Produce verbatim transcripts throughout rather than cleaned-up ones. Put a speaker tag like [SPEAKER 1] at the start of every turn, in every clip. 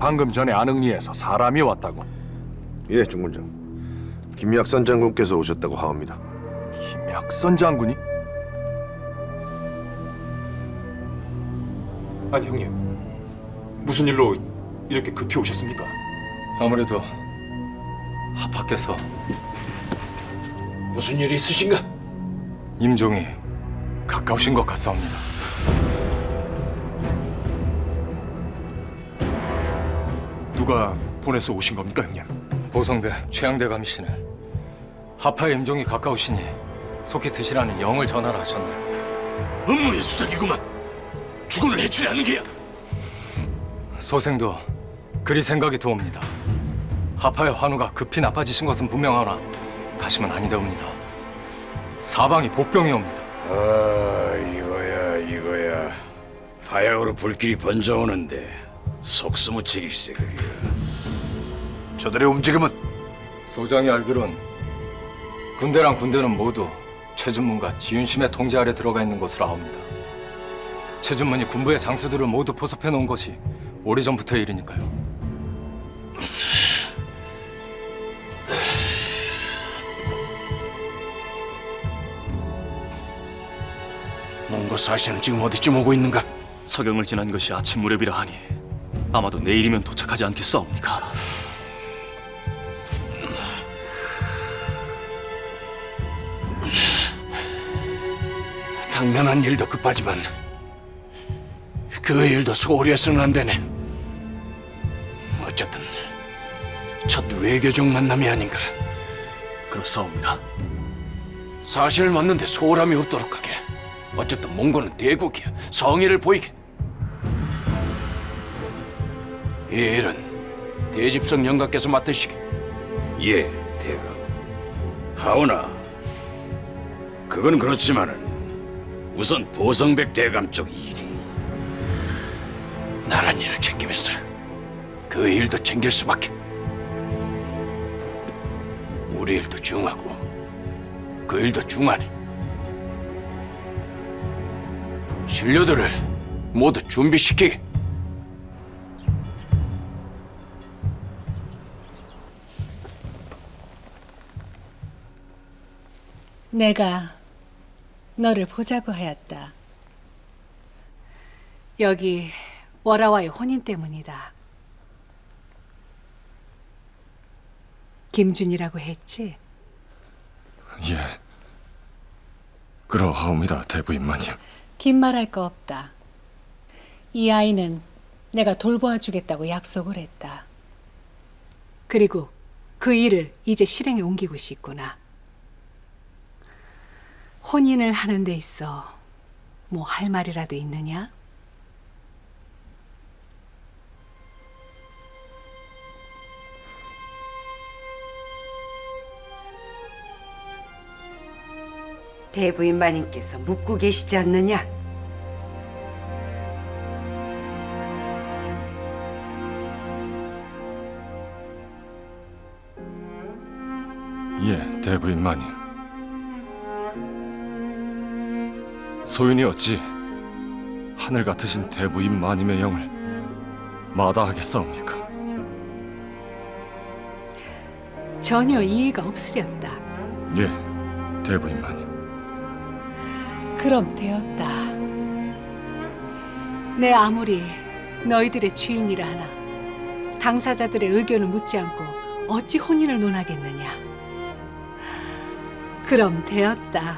[SPEAKER 1] 방금 전에 안흥리에서 사람이 왔다고.
[SPEAKER 2] 예, 중군장. 김약선 장군께서 오셨다고 하옵니다.
[SPEAKER 1] 김약선 장군이?
[SPEAKER 3] 아니 형님, 무슨 일로 이렇게 급히 오셨습니까?
[SPEAKER 4] 아무래도 하파께서
[SPEAKER 3] 무슨 일이 있으신가?
[SPEAKER 4] 임종이 가까우신 것 같사옵니다.
[SPEAKER 3] 누가 보내서 오신 겁니까 형님?
[SPEAKER 4] 보성배 최양대 감시는 하파의 임종이 가까우시니 속히 드시라는 영을 전하라 하셨네.
[SPEAKER 3] 업무의 수작이구만. 주군을 해치려는 게야.
[SPEAKER 4] 소생도 그리 생각이 드옵니다. 하파의 환우가 급히 나빠지신 것은 분명하나 가심은 아니되옵니다. 사방이 복병이옵니다.
[SPEAKER 5] 아, 이거야 이거야. 바야흐로 불길이 번져오는데 속수무책일세 그려. 저들의 움직임은?
[SPEAKER 4] 소장이 알기론 군대랑 군대는 모두 최준문과 지윤심의 통제 아래 들어가 있는 것으로 아옵니다. 최준문이 군부의 장수들을 모두 포섭해 놓은 것이 오래전부터의 일이니까요.
[SPEAKER 3] 몽고 사신은 지금 어디쯤 오고 있는가?
[SPEAKER 6] 서경을 지난 것이 아침 무렵이라 하니 아마도 내일이면 도착하지 않겠사옵니까?
[SPEAKER 3] 당면한 일도 급하지만 그 일도 소홀히 해서는 안 되네. 어쨌든 첫 외교적 만남이 아닌가.
[SPEAKER 6] 그렇사옵니다.
[SPEAKER 3] 사실을 맞는데 소홀함이 없도록 하게. 어쨌든 몽고는 대국이야. 성의를 보이게. 이 일은 대집성 영가께서 맡으시게.
[SPEAKER 5] 예, 대감. 하오나 그건 그렇지만은 우선 보성백 대감 쪽 일이.
[SPEAKER 3] 나란 일을 챙기면서 그 일도 챙길 수밖에. 우리 일도 중하고 그 일도 중하네. 신료들을 모두 준비시키게.
[SPEAKER 7] 내가 너를 보자고 하였다. 여기 월아와의 혼인 때문이다. 김준이라고 했지?
[SPEAKER 1] 예. 그러하옵니다, 대부인마님.
[SPEAKER 7] 긴 말할 거 없다. 이 아이는 내가 돌보아 주겠다고 약속을 했다. 그리고 그 일을 이제 실행에 옮기고 싶구나. 혼인을 하는 데 있어 뭐 할 말이라도 있느냐?
[SPEAKER 8] 대부인 마님께서 묻고 계시지 않느냐?
[SPEAKER 1] 예, 대부인마님. 소윤이 어찌 하늘 같으신 대부인마님의 영을 마다하겠사옵니까?
[SPEAKER 7] 전혀 이의가 없으렸다.
[SPEAKER 1] 예, 대부인마님.
[SPEAKER 7] 그럼 되었다. 내 아무리 너희들의 주인이라 하나 당사자들의 의견을 묻지 않고 어찌 혼인을 논하겠느냐. 그럼 되었다.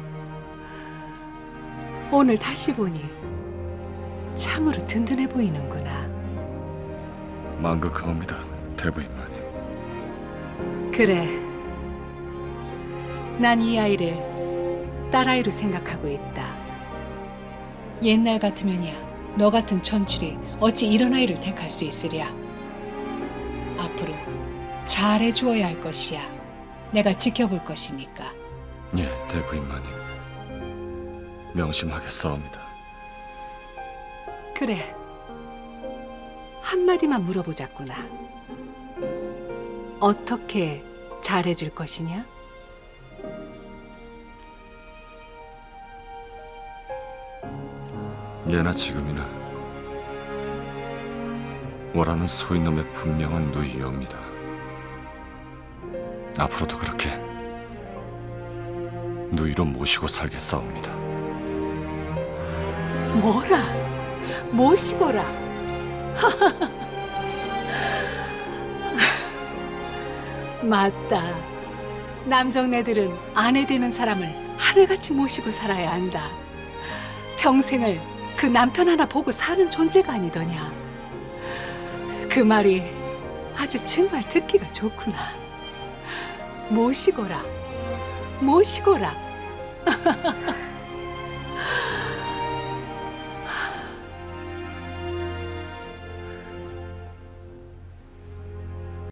[SPEAKER 7] 오늘 다시 보니 참으로 든든해 보이는구나.
[SPEAKER 1] 만극하옵니다, 대부인마님.
[SPEAKER 7] 그래. 난 이 아이를 딸아이로 생각하고 있다. 옛날 같으면야 너 같은 천출이 어찌 이런 아이를 택할 수 있으랴. 앞으로 잘해주어야 할 것이야. 내가 지켜볼 것이니까.
[SPEAKER 1] 예, 대부인마님. 명심하겠사옵니다.
[SPEAKER 7] 그래. 한마디만 물어보자꾸나. 어떻게 잘해줄 것이냐?
[SPEAKER 1] 예나 지금이나 원하는 소인놈의 분명한 누이옵니다. 앞으로도 그렇게 누이로 모시고 살겠사옵니다.
[SPEAKER 7] 뭐라? 모시고라? 맞다. 남정네들은 아내 되는 사람을 하늘같이 모시고 살아야 한다. 평생을 그 남편 하나 보고 사는 존재가 아니더냐. 그 말이 아주 정말 듣기가 좋구나. 모시고라, 모시고라.